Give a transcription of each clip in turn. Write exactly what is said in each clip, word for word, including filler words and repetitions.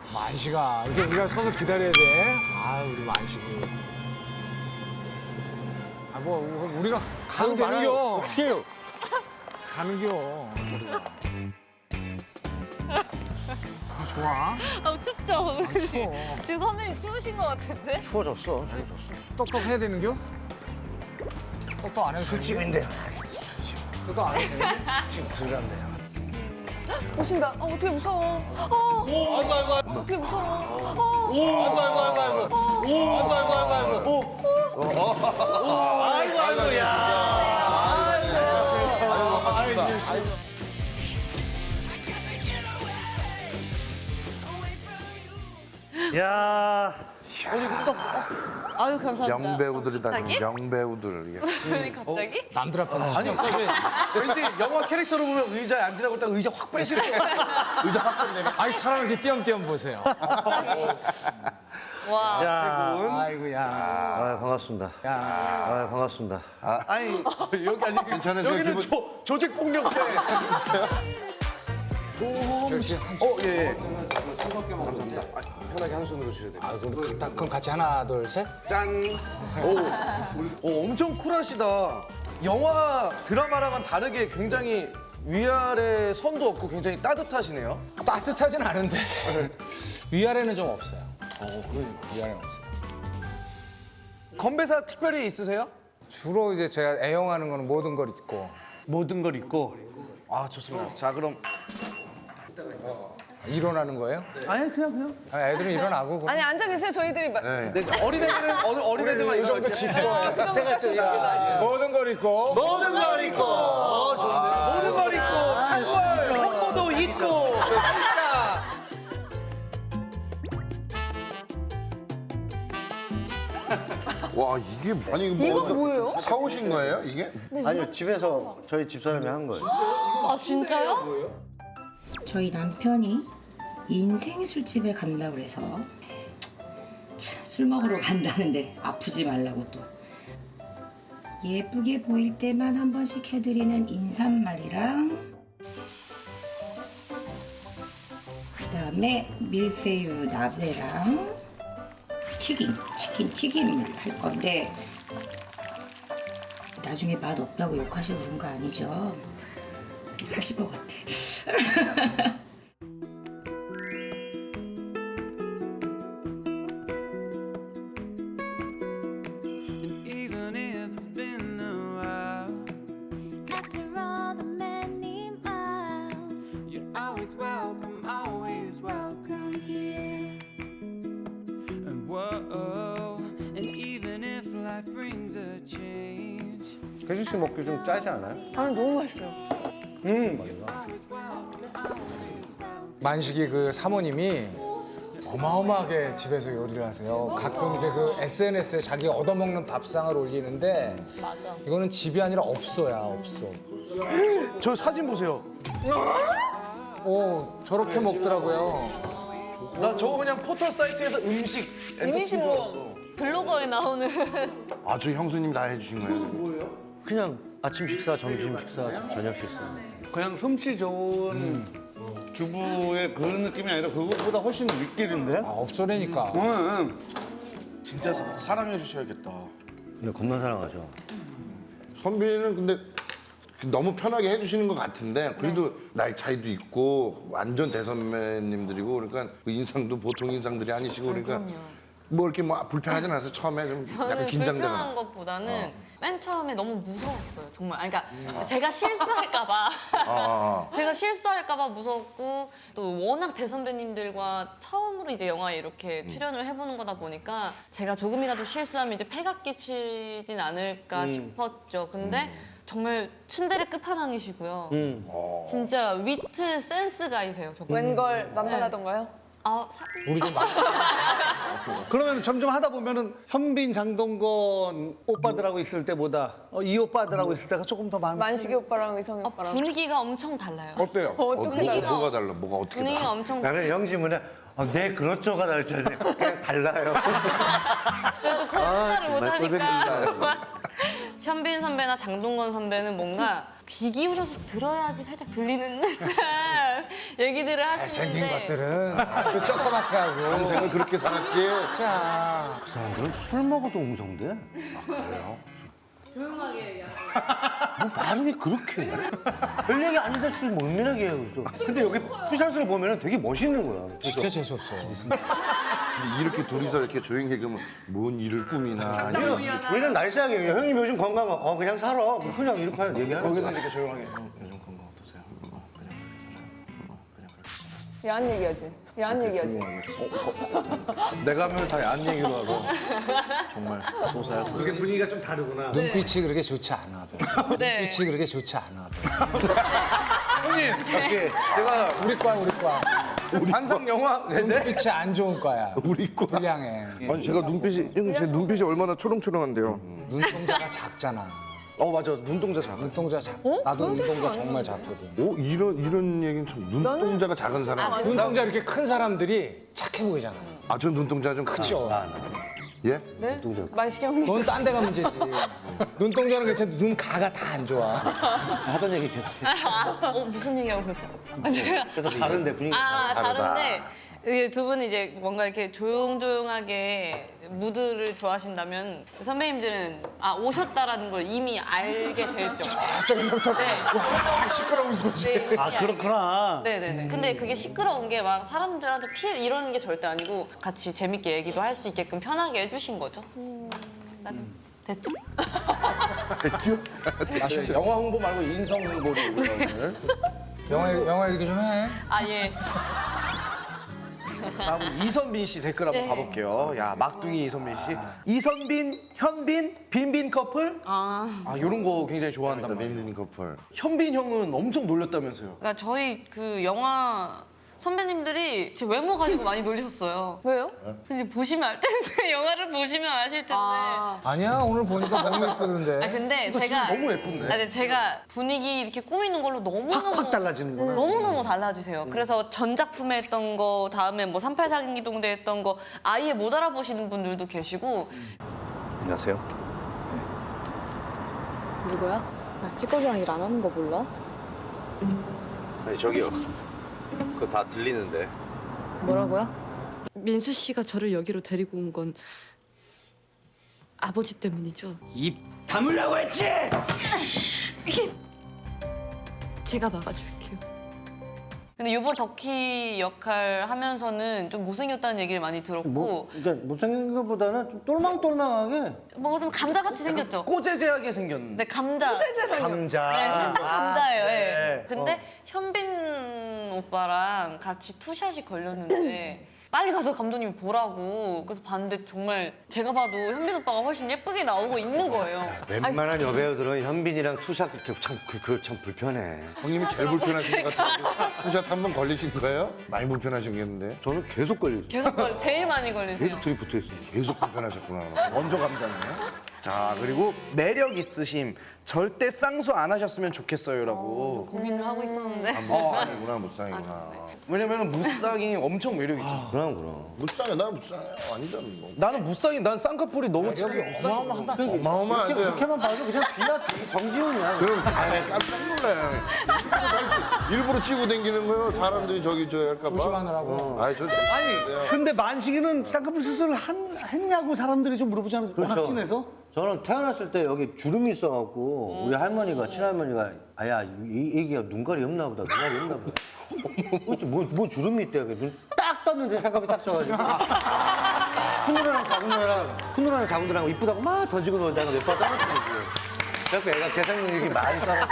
만식아, 이제 우리가 서서 기다려야 돼. 아, 우리 만식이. 아, 뭐 우리가 가면 되는겨. 어떻게 해요? 가는겨. 우리가. 아, 좋아. 아, 춥죠? 추워. 지금 선배님 추우신 것 같은데? 추워졌어, 추워졌어. 떡떡 해야 되는겨? 떡떡 안 해도 되는겨? 술집인데. 떡떡 안 해도 되는겨? 지금 불난데. 오신다. 어, 어떻게 무서워. 어. 오, 아이고, 아이고, 아이고. 어떻게 무서워. 어. 오, 아이고, 아이고, 아이고, 아이고. 오, 아이고, 아이고, 아이고, 아이고. 오. 오, 아이고, 아이고, 야. 아이고, 아이고. 야. 아유, 감사합니다. 명배우들이다. 갑자기? 명배우들. 이게. 왜 갑자기? 남들 앞에 서 아니, 사실 왠지 영화 캐릭터로 보면 의자에 앉으라고 딱 의자 확 빼실 거 의자 확 빼내면. 아니, 사람을 이렇게 띄엄띄엄 보세요. 와. 야, 세 분. 아이고야. 아, 반갑습니다. 야. 아, 반갑습니다. 아니, 여기 아직 괜찮으세요? 여기는 기분- 조, 조직 폭력배. 저씨 어, 예, 예. 편하게 한 손으로 주셔야 돼요. 아, 그럼, 가- 그럼 같이 하나, 둘, 셋. 짠. 오, 오, 엄청 쿨하시다. 영화 드라마랑은 다르게 굉장히 위아래 선도 없고 굉장히 따뜻하시네요. 따뜻하진 않은데 위아래는 좀 없어요. 어, 그 위아래는 없어요. 건배사 특별히 있으세요? 주로 이제 제가 애용하는 거는 모든 걸 잊고 모든 걸 잊고. 아, 좋습니다. 자, 그럼. 일어나는 거예요? 아니, 그냥, 그냥. 아, 애들은 일어나고 그럼 아니, 앉아 계세요. 저희들이 막. 네. 네, 어린애들은 어, 어린애들만 이 정도 일어날게요. 짚고 제가 좀 일어나죠. 모든 걸 잊고 모든 걸 잊고. 어, 좋은데. 모든 걸 잊고. 창궐, 횡포도 잊고. 진짜. 와 이게 아니 이거, 이거 뭐 뭐예요? 사오신 거예요 이게? 아니요, 집에서 저희 집사람이 한 거예요. 아, 진짜요? 저희 남편이 인생 술집에 간다고 그래서 참, 술 먹으러 간다는데 아프지 말라고 또 예쁘게 보일 때만 한 번씩 해드리는 인삼말이랑 그다음에 밀푀유 나베랑 튀김, 치킨 튀김을 할 건데 나중에 맛 없다고 욕하시고 그런 거 아니죠? 하실 것 같아. Even if it's been a while, After all the many miles, you're always welcome, always welcome here. And whoa, and even if life brings a change, 혜준 씨 먹기 좀 짜지 않아요? 아니, 너무 맛있어요. 만식이 그 사모님이 어마어마하게 집에서 요리를 하세요. 가끔 이제 그 에스엔에스에 자기 얻어먹는 밥상을 올리는데 맞아. 이거는 집이 아니라 업소야, 업소. 저 사진 보세요. 오, 저렇게 먹더라고요. 나 저거 그냥 포털 사이트에서 음식 엔터테인 이미지 줄 알았어. 뭐 블로거에 나오는. 아 저 형수님 다 해주신 거예요? 그냥 아침 식사, 점심 식사, 저녁 식사. 그냥 솜씨 좋은 주부의 그런 느낌이 아니라 그것보다 훨씬 윗길인데? 아, 업소라니까. 응, 진짜 사- 사랑해 주셔야겠다. 근데 겁나 사랑하죠. 선배는 근데 너무 편하게 해주시는 것 같은데 그래도 나이 차이도 있고 완전 대선배님들이고 그러니까 그 인상도 보통 인상들이 아니시고 그러니까 뭐 이렇게 뭐 불편하진 않아서 처음에 좀 약간 저는 긴장되거나. 불편한 것보다는 맨 처음에 너무 무서웠어요. 정말. 아니, 그러니까 제가 실수할까봐. 아, 아, 제가 실수할까봐 무서웠고 또 워낙 대선배님들과 처음으로 이제 영화에 이렇게 출연을 해보는 거다 보니까 제가 조금이라도 실수하면 이제 패가 끼치진 않을까 싶었죠. 근데 정말 츤데레 끝판왕이시고요. 진짜 위트 센스가이세요. 정말. 웬걸 만만하던가요? 아, 사... 우리 좀 마- 그러면 점점 하다 보면은 현빈, 장동건 오빠들하고 있을 때보다 어, 이 오빠들하고 있을 때가 조금 더 많. 만식이 오빠랑 의성이 어, 오빠랑 분위기가 엄청 달라요. 어때요? 어, 분위기가- 뭐가, 뭐가 달라? 뭐가 어떻게 분위기가 달라? 엄청 나는 영지문에 아, 네, 그렇죠가 나왔잖아요. 그냥 달라요. 그래도 거짓말을 정말 못하니까 막 현빈 선배나 장동건 선배는 뭔가 귀 기울여서 들어야지 살짝 들리는 듯한 얘기들을 생긴 하시는데 것들은 아주 조그맣게 하고. 평생을 그렇게 살았지. 자, 그 사람들은 술 먹어도 웅성대. 그래요? 조용하게 얘기하고. 뭐 발음이 그렇게 해? 별 얘기 아닌데 술 멀밀하게 해요. 그래서. 근데 여기 푸샷을 보면 되게 멋있는 거야. 그래서 진짜 재수없어. 근데 이렇게 둘이서 이렇게 조용히 얘기하면 뭔 일을 꾸미나. 아니면 우리는 날씨하게 그냥 형님 요즘 건강 어 그냥 살아. 뭐 그냥 이렇게 하는 얘기하는 거기서 거야. 이렇게 조용하게 형, 요즘 건강 어떠세요? 어, 그냥 그렇게 살아요. 어, 그냥 그렇게 살아요. 야한 얘기하지. 야한 얘기하지. 내가 하면 다 야한 얘기로 하고 정말 도사야. 도사. 그게 분위기가 좀 다르구나. 눈빛이 그렇게 좋지 않아. 별로. 네. 눈빛이 그렇게 좋지 않아. 별로. 형님 역시 제가 우리 과 우리 과. 한상 영화 네 눈빛이 안 좋은 과야. 우리 거. 불량해. 아니 제가 눈빛이 형 제 눈빛이 얼마나 초롱초롱한데요. 눈동자가 작잖아. 어 맞아 눈동자 작아. 눈동자 작. 나도 눈동자 정말 작거든. 오 이런 이런 얘기는 참 눈동자가 작은 사람. 눈동자 이렇게 큰 사람들이 착해 보이잖아. 아 전 눈동자 좀 크죠. 예? 네? 만식이 형님. 넌 딴 데 가 문제지. 눈동자는 괜찮은데 눈 가가 다 안 좋아. 하던 얘기 계속. 어, 무슨 얘기하고 있었죠? 아, 제가 그래서 다른데 분위기. 아, 다르다. 다른데 이게 두 분이 이제 뭔가 이렇게 조용조용하게 무드를 좋아하신다면 선배님들은 아 오셨다라는 걸 이미 알게 됐죠. 저기서부터 네. 와 시끄러운 소식. 네, 이미 아 알게 그렇구나. 네네네. 근데 그게 시끄러운 게 막 사람들한테 피해 이러는 게 절대 아니고 같이 재밌게 얘기도 할 수 있게끔 편하게 해주신 거죠. 난 됐죠? 사실 영화 홍보 말고 인성 홍보를 우리가 오늘. 영화 영화 얘기도 좀 해. 아 예. 다음 이선빈 씨 댓글 한번 가볼게요. 야 막둥이 이선빈 씨. 이선빈, 현빈, 빈빈 커플. 아. 아 이런 거 굉장히 좋아한단 말이에요. 빈빈 커플. 현빈 형은 엄청 놀렸다면서요. 그러니까 저희 그 영화 선배님들이 제 외모 가지고 많이 놀리셨어요. 왜요? 근데 보시면 알 텐데 영화를 보시면 아실 텐데. 아, 아니야 오늘 보니까 너무 예쁘던데. 근데 제가 너무 예쁜데? 아, 근데 제가 분위기 이렇게 꾸미는 걸로 너무 너무 확확 달라지는구나. 너무 너무 달라지세요. 그래서 전 작품에 했던 거 다음에 뭐 삼팔 사기동대 했던 거 아예 못 알아보시는 분들도 계시고. 안녕하세요. 누구야? 나 찌꺼기랑 일 안 하는 거 몰라? 아니 저기요. 그거 다 들리는데. 뭐라고요? 민수 씨가 저를 여기로 데리고 온 건 아버지 때문이죠. 입 다물라고 했지. 제가 막아줄게요. 근데 이번 덕희 역할 하면서는 좀 못생겼다는 얘기를 많이 들었고 뭐 그러니까 못생긴 것보다는 좀 똘망똘망하게. 뭔가 좀 감자같이 생겼죠. 꼬재재하게 생겼는데. 네 감자. 감자. 네, 살짝 감자예요. 예. 네. 근데 현빈 오빠랑 같이 투샷이 걸렸는데 빨리 가서 감독님이 보라고 그래서 봤는데 정말 제가 봐도 현빈 오빠가 훨씬 예쁘게 나오고 있는 거예요. 웬만한 여배우들은 현빈이랑 투샷 그렇게 참그참 불편해. 형님이 제일 불편하신 것 같은데. 투샷 한 번 걸리신 거예요? 많이 불편하시겠는데. 저는 계속 걸리죠. 계속 걸 제일 많이 걸리세요. 계속 둘이 붙어 있어요. 계속 불편하셨구나. 원조 감자네. 자 그리고 매력 있으심. 절대 쌍수 안 하셨으면 좋겠어요라고. 고민을 하고 있었는데. 어 아니구나 무쌍이구나. 왜냐면 무쌍이 엄청 매력 있죠. 그럼 그럼. 무쌍이야 나 무쌍이야 완전 뭐. 나는 무쌍이 난 쌍꺼풀이 너무 여기 어마어마하다. 어마어마하죠. 그렇게만 봐도 그냥 비야 정지훈이야. 그럼 다 깜짝 놀라요. 일부러 찍고 다니는 거예요. 사람들이 저기 저 할까 봐. 조심하느라고. 아니 저 아니 근데 만식이는 쌍꺼풀 수술을 한, 했냐고 사람들이 좀 물어보잖아요. 워낙 진해서. 저는 태어났을 때 여기 주름이 있어갖고 우리 할머니가 친할머니가 아야 이 애기가 눈깔이 없나 보다 눈깔이 없나 보다. 어째 뭐, 뭐 주름이 있대. 눈 딱 떴는데 쌍꺼풀이 딱 써가지고 큰 누나랑 작은 누나랑 큰 누나랑 작은 누나랑 이쁘다고 막 던지고 놀다가 몇 번 떨어뜨리고. 그래서 애가 계산 능력이 많이 쌓아.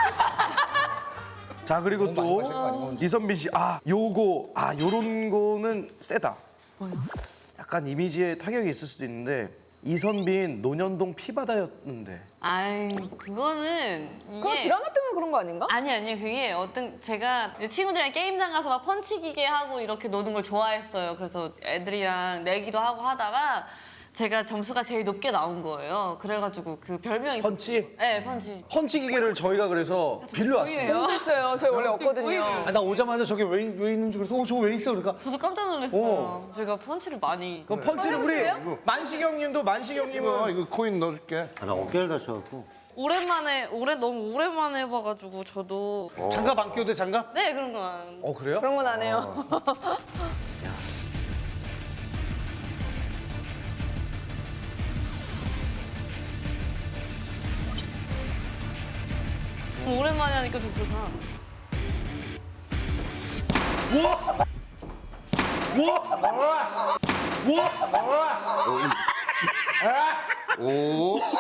자 그리고 너무 많이 마실 거 또 아니에요? 이선빈 씨, 아 요거 아 요런 거는 세다. 뭐요? 약간 이미지에 타격이 있을 수도 있는데 이선빈 논현동 피바다였는데. 아이 그거는 그거 이게 드라마 때문에 그런 거 아닌가? 아니 아니 그게 어떤 제가 친구들이랑 게임장 가서 막 펀치 기계 하고 이렇게 노는 걸 좋아했어요. 그래서 애들이랑 내기도 하고 하다가 제가 점수가 제일 높게 나온 거예요. 그래가지고 그 별명이 펀치? 네, 펀치. 펀치 기계를 저희가 그래서 빌려왔어요. 너무 있어요. 저희 원래 없거든요. 아, 나 오자마자 저게 왜, 왜 있는지 그래서 어, 저거 왜 있어? 그러니까 저도 깜짝 놀랐어요. 제가 펀치를 많이. 그럼 펀치는 우리 만식형님도 이거 만식형님은 이거 코인 넣어줄게. 아, 나 어깨를 다쳐갖고. 오랜만에 올해 너무 오랜만에 해봐가지고 저도 장갑 안 끼워도 돼, 장갑? 네 그런 거 안. 어 그래요? 그런 건 안 해요. 오랜만에 하니까 좀 그렇다. 오.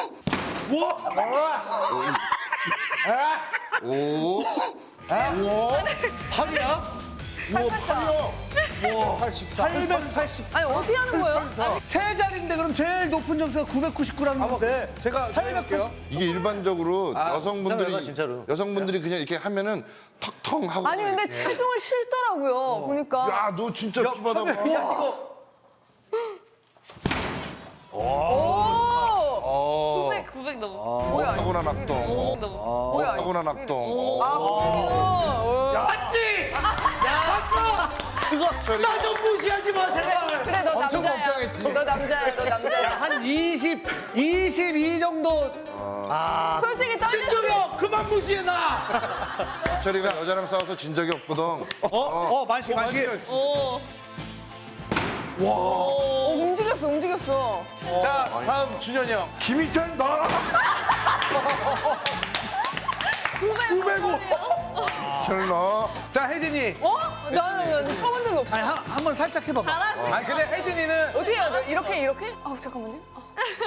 오. 오. 팔이야? 팔백팔십. 아니 어떻게 하는 거예요? 세 자리인데 그럼 제일 높은 점수가 구백구십구라는데 제가 해볼게요. 이게 일반적으로 괜찮아요, 여성분들이 진짜로. 여성분들이 그냥 이렇게 하면은 턱턱 하고. 아니 근데 체중을 실더라고요. 보니까. 야, 너 진짜 피바다. 오. 어. 구백 구백 넘어. 뭐야? 타고난 오 악동. 넘어. 뭐야? 타고난 악동. 아. 오. 맞지? 야, 봤어? 그거 나 좀 무시하지 마, 제발. 그래 너 엄청 남자야. 걱정했지. 너 남자야. 너 남자야. 한 이십, 이십이 정도. 아, 솔직히 떨려. 신동엽 그만 무시해 나. 철이가 여자랑 싸워서 진 적이 없거든. 어, 어, 만식, 만식. 오. 어, 움직였어. 움직였어. 자 다음 준현이 형. 김희철 나. 구백오. 철 너. 자 혜진이. 어? 나는, 나는 처음 본 적이 없어. 아니, 한, 한번 살짝 해봐봐. 잘하시. 아니 근데 혜진이는 어떻게 해야 돼? 이렇게 이렇게? 아 잠깐만요. 아.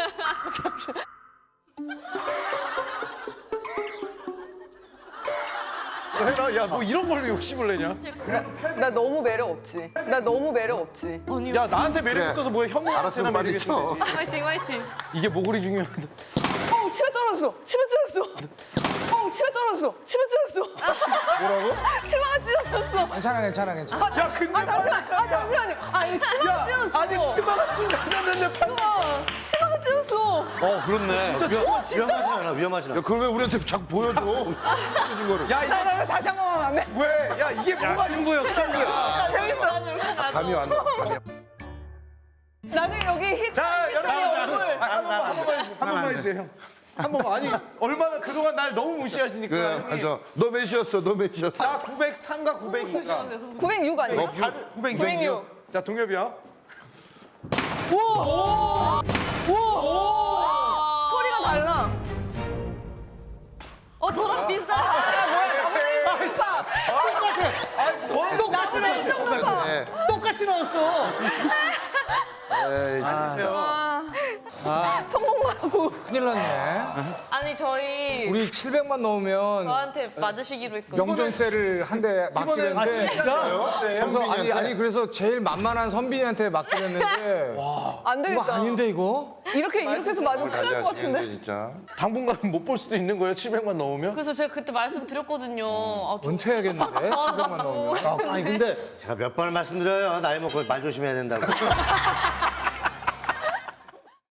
해라. 야 뭐 이런 걸로 욕심을 내냐? 나 너무 매력 없지. 나 너무 매력 없지. 야 나한테 매력 그래. 있어서 뭐야 형님한테나 알았으면 매력 빨리 있으면 쳐. 되지. 화이팅 화이팅. 이게 모골이 중요하다. 어 치마 떨어졌어. 치마 떨어졌어. 어 치마 떨어졌어. 치마 떨어졌어. 뭐라고? 치마가 찢어졌어. 괜찮아, 괜찮아, 괜찮아. 아, 야 근데 아 잠시만. 아 잠시만요. 아 이거 치마가 찢어졌어. 아니 치마가 찢어졌는데 팔. 우와, 치마가 찢어졌어. 어, 그렇네. 진짜 위험, 치마 위험하진 않아, 위험하진 야, 않아. 그걸 왜 우리한테 자꾸 보여줘? 찢어진 거를. 야 이거 나, 나, 나 다시 한 번만 하면 안 돼? 왜? 야 이게 뭐가 승부욕, 승부욕. 아, 재밌어. 감이 왔네. 감이. 나중에 여기 히트. 자 여러분 얼굴. 아, 한 번만 한 번만 해주세요. 한 번만 해주세요 형. 한 번만. 아니 얼마나 그동안 날 너무 무시하시니까. 그래, 형님. 맞아. 너 몇이었어? 너 몇이었어? 나 구백삼과 구백이니까. 구백육 아니에요? 너 구백육. 구백육. 자 동엽이요. 소리가 달라. 어 저랑 비슷한. 아 뭐야 나보다 일 점 높아. 뭐? 나 진짜 일 점 높아. 네. 똑같이 나왔어. 에이, 아, 성공만 하고. 큰일 났네. 아니 저희 우리 칠백만 넣으면 저한테 맞으시기로 했거든요. 영전세를 한 대 맡기로 이번엔 했는데. 진짜요? 그래서 아니 아니 그래서 제일 만만한 선빈이한테 맡기로 했는데 안 이거 되겠다. 아닌데 이거? 이렇게 이렇게 해서 맞으면 큰일 날 것 같은데. 진짜. 당분간 못 볼 수도 있는 거예요. 칠백만 넣으면. 그래서 제가 그때 말씀드렸거든요. 아, 저- 은퇴해야겠는데 칠백만 넣으면. 아, 아니, 근데 제가 몇 번을 말씀드려요. 나이 먹고 말 조심해야 된다고.